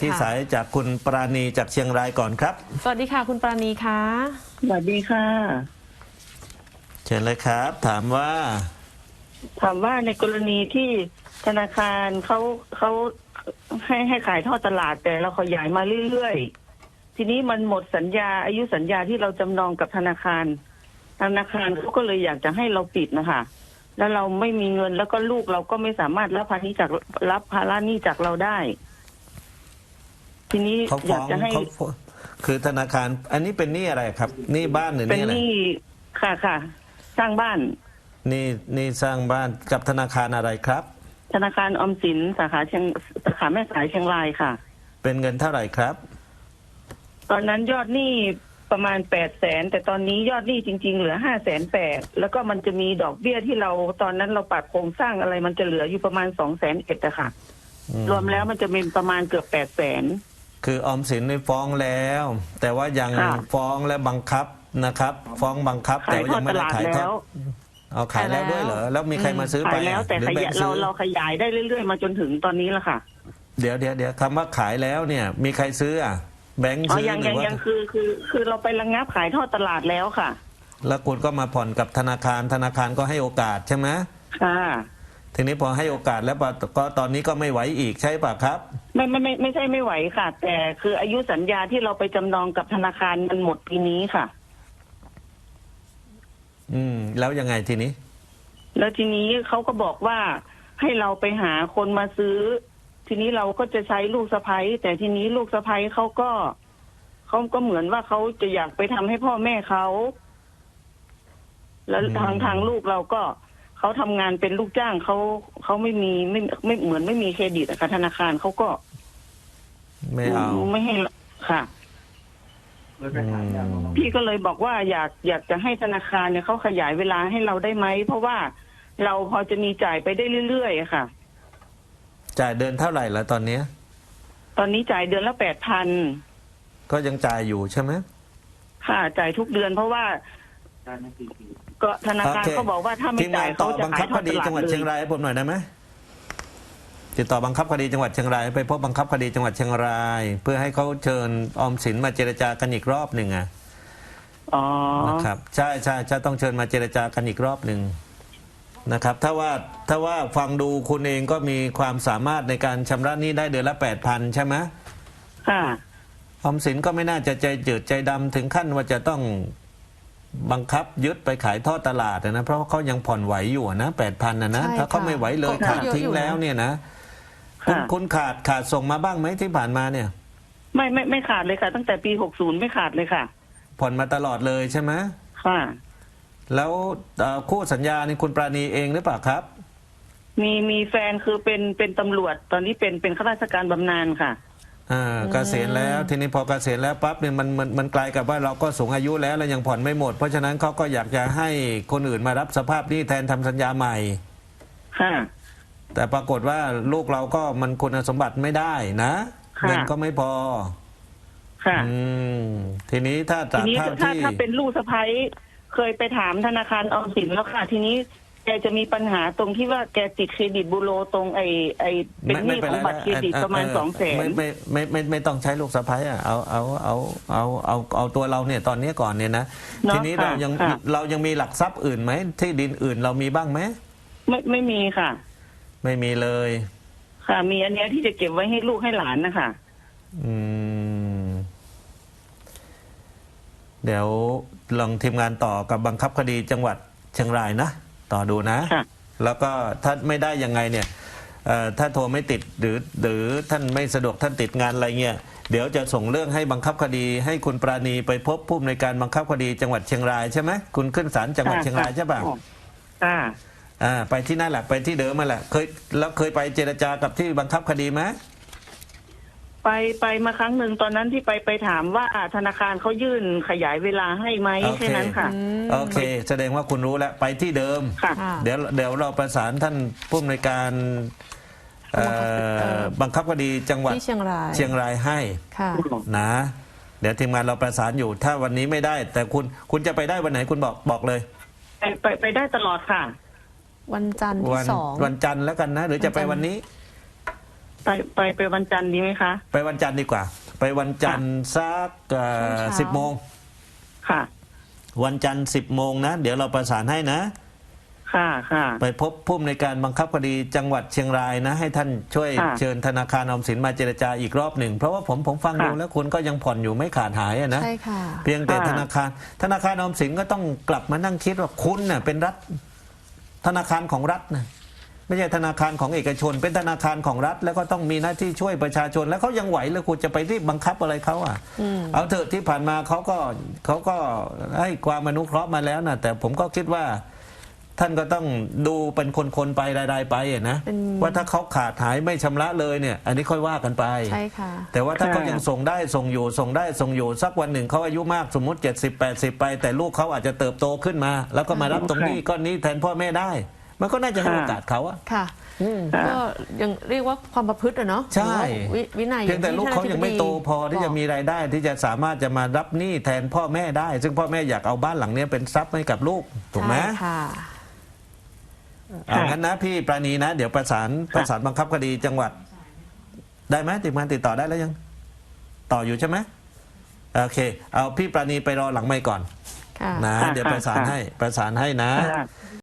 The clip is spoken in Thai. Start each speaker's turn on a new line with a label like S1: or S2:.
S1: ที่สายจากคุณปราณีจากเชียงรายก่อนครับ
S2: สวัสดีค่ะคุณปราณีคะ
S3: สวัสดีค่ะ
S1: เชิญเลยครับ ถามว่า
S3: ในกรณีที่ธนาคารเขาให้ขายทอดตลาดแต่เราขยายมาเรื่อยๆทีนี้มันหมดสัญญาอายุสัญญาที่เราจำนองกับธนาคารเขาก็เลยอยากจะให้เราปิดนะคะแล้วเราไม่มีเงินแล้วก็ลูกเราก็ไม่สามารถรับภาระหนี้จากเราได้ ทีนี้อยากจะให้
S1: คือธนาคารอันนี้เป็นหนี้อะไรครับหนี้บ้านหรือหนี้อะไร
S3: เป็นหนี้ค่ะสร้างบ้าน
S1: นี่สร้างบ้านกับธนาคารอะไรครับ
S3: ธนาคารออมสินสาขาแม่สายเชียงรายค่ะ
S1: เป็นเงินเท่าไหร่ครับ
S3: ตอนนั้นยอดหนี้ประมาณ800,000แต่ตอนนี้ยอดหนี้จริงๆเหลือ580,000แล้วก็มันจะมีดอกเบี้ยที่เราตอนนั้นเราปรับโครงสร้างอะไรมันจะเหลืออยู่ประมาณ200,000อะค่ะรวมแล้วมันจะเป็นประมาณเกือบ800,000
S1: คือออมสินได้ฟ้องแล้ว แต่ว่ายังฟ้องและบังคับนะครับฟ้องบังคับแต่ยังไม่ได้ขายทอดเอาขายแล้วด้วยเหรอแล้วมีใครมาซื้อไป
S3: ขายแล้วแต่เราขยายได้เรื่อยๆมาจนถึงตอนนี้แล้วค่ะ
S1: เดี๋ยวคำว่าขายแล้วเนี่ยมีใครซื้ออ่ะแบงค์ซื้อหรือว่า
S3: ยังคือเราไประงับขายทอดตลาดแล้วค่ะ
S1: แล้วคุณก็มาผ่อนกับธนาคารก็ให้โอกาสใช่ไหม
S3: ค่ะ
S1: ทีนี้พอให้โอกาสแล้วก็ตอนนี้ก็ไม่ไหวอีกใช่ป่ะครับ
S3: ไม่ใช่ไม่ไหวค่ะแต่คืออายุสัญญาที่เราไปจำนองกับธนาคารมันหมดปีนี้ค่ะ
S1: แล้วยังไงทีนี้
S3: แล้วทีนี้เขาก็บอกว่าให้เราไปหาคนมาซื้อทีนี้เราก็จะใช้ลูกสะใภ้แต่ทีนี้ลูกสะใภ้เขาก็เหมือนว่าเขาจะอยากไปทำให้พ่อแม่เขาแล้วทางลูกเราก็เขาทำงานเป็นลูกจ้างเขาไม่เหมือนไม่มีเครดิตอะค่ะธนาคารเขาก็
S1: ไม่เอา
S3: ไม่ให้ค่ะพี่ก็เลยบอกว่าอยากจะให้ธนาคารเนี่ยเขาขยายเวลาให้เราได้ไหมเพราะว่าเราพอจะมีจ่ายไปได้เรื่อยๆค่ะ
S1: จ่ายเดือนเท่าไหร่ละตอนนี้
S3: จ่ายเดือนละ8,000
S1: ก็ยังจ่ายอยู่ใช่ไหม
S3: ค่ะจ่ายทุกเดือนเพราะว่าก็ธนาคารเขาบอกว่าถ้าไม่จ่ายเขาจะขายทอดตลาดเลย
S1: จังหวัดเชียงรายให้ผมหน่อยได้ไหมติดต่อบังคับคดีจังหวัดเชียงรายไปพบบังคับคดีจังหวัดเชียงรายเพื่อให้เขาเชิญออมสินมาเจรจากันอีกรอบหนึ่งนะครับใช่จะต้องเชิญมาเจรจากันอีกรอบหนึ่งนะครับถ้าว่าฟังดูคุณเองก็มีความสามารถในการชำระหนี้ได้เดือนละ8,000ใช่ไหม
S3: ค่ะ
S1: ออมสินก็ไม่น่าจะใจจืดใจดำถึงขั้นว่าจะต้องบังคับยึดไปขายทอดตลาดนะเพราะเขายังผ่อนไหวอยู่นะ8,000นะถ้าเขาไม่ไหวเลยขาดทิ้งแล้วเนี่ยนะคุณขาดส่งมาบ้างไหมที่ผ่านมาเนี่ย
S3: ไม่ขาดเลยค่ะตั้งแต่ปี60ไม่ขาดเลยค่ะ
S1: ผ่อนมาตลอดเลยใช่ไหม
S3: ค่ะ
S1: แล้วคู่สัญญานี่คุณปราณีเองหรือเปล่าครับ
S3: มีแฟนคือเป็นตำรวจตอนนี้เป็นข้าราชการบำนาญค่ะ
S1: เกษียณแล้วทีนี้พอเกษียณแล้วปั๊บเนี่ยมันกลายกับว่าเราก็สูงอายุแล้วยังผ่อนไม่หมดเพราะฉะนั้นเขาก็อยากจะให้คนอื่นมารับสภาพหนี้แทนทำสัญญาใหม่
S3: ค่ะ
S1: แต่ปรากฏว่าลูกเราก็มันคุณสมบัติไม่ได้นะเงินก็ไม่พอ
S3: ค่ะ
S1: ทีนี้ถ้า
S3: เป็นลูกสะใภ้เคยไปถามธนาคารออมสินแล้วค่ะทีนี้แกจะมีปัญหาตรงที่ว่าแกติดเครดิตบูโรตรงไอเป็นหนี้ของบัตรเครดิตประมาณ200,000
S1: ไม่ต้องใช้ลูกสะใภ้เอาตัวเราเนี่ยตอนนี้ก่อนเนี่ยนะทีนี้เรายังมีหลักทรัพย์อื่นไหมที่ดินอื่นเรามีบ้างไหม
S3: ไม่มีค่ะ
S1: ไม่มีเลย
S3: ค่ะมีอันนี้ที่จะเก็บไว้ให้ลูกให้หลานนะคะ
S1: เดี๋ยวลองทีมงานต่อกับบังคับคดีจังหวัดเชียงรายนะต่อดูนะแล้วก็ถ้าไม่ได้ยังไงเนี่ยถ้าโทรไม่ติดหรือท่านไม่สะดวกท่านติดงานอะไรเงี้ยเดี๋ยวจะส่งเรื่องให้บังคับคดีให้คุณปราณีไปพบผู้อำนวยการบังคับคดีจังหวัดเชียงรายใช่ไหมคุณขึ้นศาลจังหวัดเชียงรายใช่ป่ะไปที่นั่นแหละไปที่เดิมมาแหละเคยไปเจรจากับที่บังคับคดีไหม
S3: ไปมาครั้งหนึ่งตอนนั้นที่ไปถามว่าธนาคารเขายื่นขยายเวลาให้ไหมแค่นั้นค่ะ
S1: โอเคแสดงว่าคุณรู้แล้วไปที่เดิมเดี๋ยวเราประสานท่านผู้อำนวยการบังคับคดีจังหวัดเชียงรายให้นะเดี๋ยวทีมงานเราประสานอยู่ถ้าวันนี้ไม่ได้แต่คุณจะไปได้วันไหนคุณบอกเลย
S3: ไปได้ตลอดค่ะ
S2: วันจันทร์ที่2
S1: วันจันทร์แล้วกันนะหรือจะไปวันนี้
S3: ไปวันจันทร์ดีไหมคะ
S1: ไปวันจันทร์ดีกว่า ไปวันจันทร์สัก10 โมง
S3: ค่ะ
S1: วันจันทร์10 โมงนะเดี๋ยวเราประสานให้นะ
S3: ค่ะค่ะ
S1: ไปพบผู้อำนวยการบังคับคดีจังหวัดเชียงรายนะให้ท่านช่วย
S3: ค่ะ
S1: เชิญธนาคารออมสินมาเจรจาอีกรอบหนึ่งเพราะว่าผมฟัง
S3: ค่ะ
S1: ดูแล้วคุณก็ยังผ่อนอยู่ไม่ขาดหายอะนะ
S2: ใช่ค่ะ
S1: เพียงแต่
S3: ค่ะ
S1: ธนาคารออมสินก็ต้องกลับมานั่งคิดว่าคุณน่ะเป็นรัฐธนาคารของรัฐนะไม่ใช่ธนาคารของเอกชน เป็นธนาคารของรัฐ แล้วก็ต้องมีหน้าที่ช่วยประชาชน แล้วเขายังไหวแล้วคุณจะไปรีบบังคับอะไรเขาอ่ะเอาเถอะที่ผ่านมาเขาก็ให้ความอนุเคราะห์มาแล้วนะแต่ผมก็คิดว่า ท่านก็ต้องดูเป็นคนๆไปรายๆไปอะนะ
S2: เป็น
S1: ว่าถ้าเขาขาดหายไม่ชำระเลยเนี่ย อันนี้ค่อยว่ากันไป
S2: ใช่ค่ะ
S1: แต่ว่าถ้า
S3: ค่ะ
S1: เขายังส่งได้ส่งอยู่ส่งได้ส่งอยู่สักวันหนึ่งเขาอายุมากสมมุติ70-80ไป แต่ลูกเขาอาจจะเติบโตขึ้นมา แล้วก็มารับตรงนี้ก้อนนี้แทนพ่อแม่ได้ มันก็น่าจะให้โอกาสเขาอะ
S2: ค่ะ
S3: ค่ะ
S2: ก็ยังเรียกว่าความประพฤติอะเนาะ
S1: ใช่
S2: วินัย
S1: เพียงแต่ลูกเขายังไม่โตพอที่จะมี
S2: บอก
S1: รายได้ที่จะสามารถจะมารับหนี้แทนพ่อแม่ได้ ซึ่งพ่อแม่อยากเอาบ้านหลังนี้เป็นทรัพย์ให้กับลูกถูกไหม
S2: ใช่ค่ะ
S1: เอางั้นนะพี่ปราณีนะ เดี๋ยวประสานบังคับคดีจังหวัด ได้ไหมติดต่อได้แล้วยัง ต่ออยู่ใช่ไหมโอเค เอาพี่ปราณีไปรอหลังไมค์ก่อน
S2: ค่ะ
S1: นะ
S3: ค่ะ
S1: เดี๋ยวประสานให้นะ
S3: ค่ะ